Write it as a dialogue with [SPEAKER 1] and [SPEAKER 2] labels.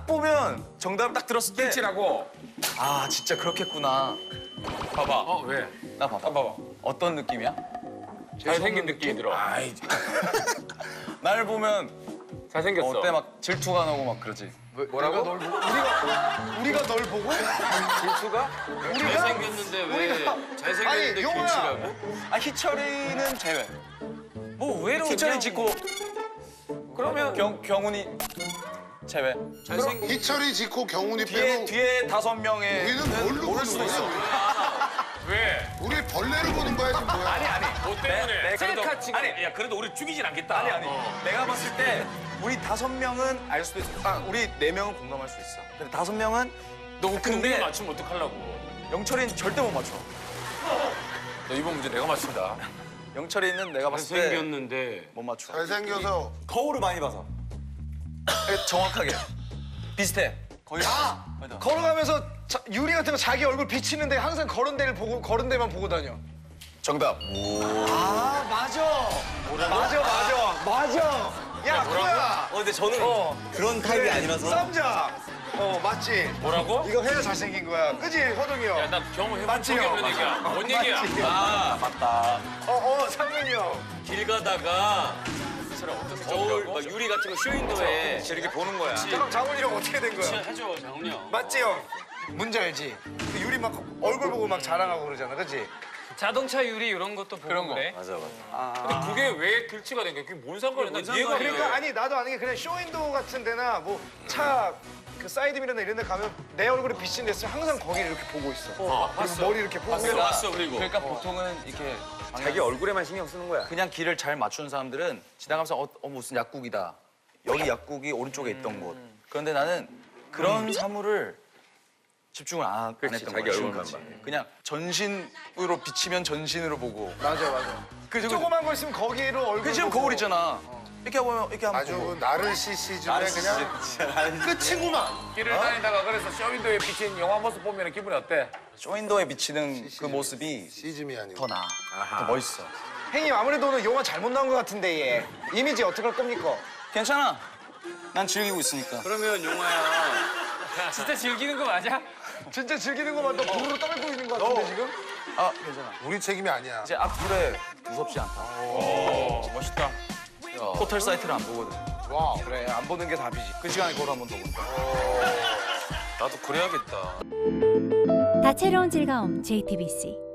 [SPEAKER 1] 딱 보면 정답을 딱 들었을 때
[SPEAKER 2] 칠하고.
[SPEAKER 1] 아 진짜 그렇겠구나.
[SPEAKER 2] 봐봐. 왜?
[SPEAKER 1] 나 봐봐.
[SPEAKER 2] 봐봐.
[SPEAKER 1] 어떤 느낌이야?
[SPEAKER 2] 잘생긴 느낌이 들어.
[SPEAKER 1] 아이. 날 보면
[SPEAKER 2] 잘생겼어.
[SPEAKER 1] 어때 막 질투가 나고 막 그러지.
[SPEAKER 2] 뭐라고?
[SPEAKER 3] 우리가 널 보고?
[SPEAKER 2] 질투가?
[SPEAKER 4] 잘생겼는데 왜 잘생겼는데
[SPEAKER 3] 아니, 용호야.
[SPEAKER 4] 길치라고?
[SPEAKER 1] 아 희철이는 제외.
[SPEAKER 2] 뭐 의외로
[SPEAKER 1] 희철이 짓고
[SPEAKER 2] 그러면
[SPEAKER 1] 경훈이 제외.
[SPEAKER 4] 잘생긴
[SPEAKER 3] 희철이 짓고 경훈이
[SPEAKER 1] 뒤에
[SPEAKER 3] 빼고
[SPEAKER 1] 뒤에 5명의
[SPEAKER 3] 우리는 뭘로
[SPEAKER 1] 모를
[SPEAKER 3] 보는
[SPEAKER 1] 수도
[SPEAKER 3] 거야?
[SPEAKER 1] 있어.
[SPEAKER 2] 왜?
[SPEAKER 3] 우리 벌레를 보는 거야 지금 뭐야?
[SPEAKER 2] 아니. 뭐 때문에?
[SPEAKER 1] 내-
[SPEAKER 2] 셀카 찍어.
[SPEAKER 1] 아니,
[SPEAKER 2] 야 그래도 우리 죽이진 않겠다.
[SPEAKER 1] 아니. 내가 봤을 때 우리 5명은 알 수도 있어. 아 우리 4명은 공감할 수 있어. 근데 5명은
[SPEAKER 2] 너 웃긴
[SPEAKER 1] 근데-
[SPEAKER 2] 우리가 맞추면 어떡하려고?
[SPEAKER 1] 영철이는 절대 못 맞춰.
[SPEAKER 2] 너 이번 문제 내가 맞춘다.
[SPEAKER 1] 영철이는 내가 봤을 때
[SPEAKER 4] 잘생겼는데
[SPEAKER 1] 못 맞춰.
[SPEAKER 3] 잘생겨서
[SPEAKER 1] 거울을 많이 봐서. 정확하게. 비슷해. 거의.
[SPEAKER 5] 걸어가면서 유리 같은 거 자기 얼굴 비치는데 항상 그런 데만 보고 다녀.
[SPEAKER 1] 정답.
[SPEAKER 5] 아 맞아. 야 코야.
[SPEAKER 4] 근데 저는 그런 타입이 아니라서
[SPEAKER 5] 쌈장. 맞지.
[SPEAKER 2] 뭐라고?
[SPEAKER 5] 이거 해야 잘생긴 거야. 그지 호동이 형.
[SPEAKER 2] 야 나 경험해본
[SPEAKER 5] 맞지,
[SPEAKER 2] 적이
[SPEAKER 5] 형?
[SPEAKER 2] 없는 얘기야. 뭔 얘기야?
[SPEAKER 5] 맞지.
[SPEAKER 4] 아
[SPEAKER 1] 맞다.
[SPEAKER 5] 상민이 형.
[SPEAKER 4] 길 가다가 거울 막 유리 같은 거 쇼윈도에
[SPEAKER 2] 이렇게 보는 거야.
[SPEAKER 5] 그럼 장훈이 형 어떻게 된 거야?
[SPEAKER 4] 해줘 장훈이 형.
[SPEAKER 5] 맞지 형. 문제 알지? 그 유리 막 얼굴 보고 막 자랑하고 그러잖아, 그지?
[SPEAKER 6] 자동차 유리 이런 것도 보고
[SPEAKER 1] 그런 거.
[SPEAKER 6] 그래.
[SPEAKER 4] 맞아.
[SPEAKER 2] 근데 그게 왜 길치가 된 거야? 그게 뭔 상관이야? 난 이해가 안 돼.
[SPEAKER 5] 그러니까 아니 나도 아는 게 그냥 쇼윈도우 같은 데나 뭐 차 그 사이드 미러나 이런 데 가면 내 얼굴이 비친 데 있으면 항상 거기를 이렇게 보고 있어. 그리고 머리 이렇게 보고.
[SPEAKER 4] 봤어 그리고.
[SPEAKER 1] 그러니까 보통은 이렇게
[SPEAKER 2] 자기 얼굴에만 신경 쓰는 거야.
[SPEAKER 1] 그냥 길을 잘 맞추는 사람들은 지나가면서 무슨 약국이다. 여기 약국이 오른쪽에 있던 곳. 그런데 나는 그런 사물을 집중을 안
[SPEAKER 2] 그렇지,
[SPEAKER 1] 했던
[SPEAKER 2] 자기
[SPEAKER 1] 거야.
[SPEAKER 2] 얼굴만
[SPEAKER 1] 지금까지. 그냥 전신으로 비치면 전신으로 보고.
[SPEAKER 5] 맞아.
[SPEAKER 1] 그
[SPEAKER 5] 조그만 거 있으면 거기로 얼굴.
[SPEAKER 1] 그 지금
[SPEAKER 5] 보고.
[SPEAKER 1] 거울 있잖아. 이렇게 보면 이렇게 한번
[SPEAKER 3] 아주
[SPEAKER 1] 보고.
[SPEAKER 3] 그 나르시시즘의 그냥 끝이구만.
[SPEAKER 2] 길을 다니다가 그래서 쇼윈도에 비친 영화 모습 보면 기분이 어때?
[SPEAKER 1] 쇼윈도에 비치는 그 모습이
[SPEAKER 3] 시즘이 아니고.
[SPEAKER 1] 더 나아. 더 멋있어.
[SPEAKER 5] 형님 아무래도 오늘 영화 잘못 나온 것 같은데 얘. 이미지 어떻게 할 겁니까?
[SPEAKER 1] 괜찮아. 난 즐기고 있으니까.
[SPEAKER 4] 그러면 용화야
[SPEAKER 6] 진짜 즐기는 거 맞아?
[SPEAKER 5] 진짜 즐기는 것만 또 부르르 떨고 있는 것 같은데 지금?
[SPEAKER 1] 아 괜찮아.
[SPEAKER 3] 우리 책임이 아니야.
[SPEAKER 1] 이제 악플에 무섭지 않다.
[SPEAKER 2] 멋있다.
[SPEAKER 1] 포털 사이트를 안 보거든.
[SPEAKER 3] 와.
[SPEAKER 5] 그래 안 보는 게 답이지.
[SPEAKER 1] 그 시간에 그걸 한번 더 본다.
[SPEAKER 2] 나도 그래야겠다.
[SPEAKER 7] 다채로운 즐거움 JTBC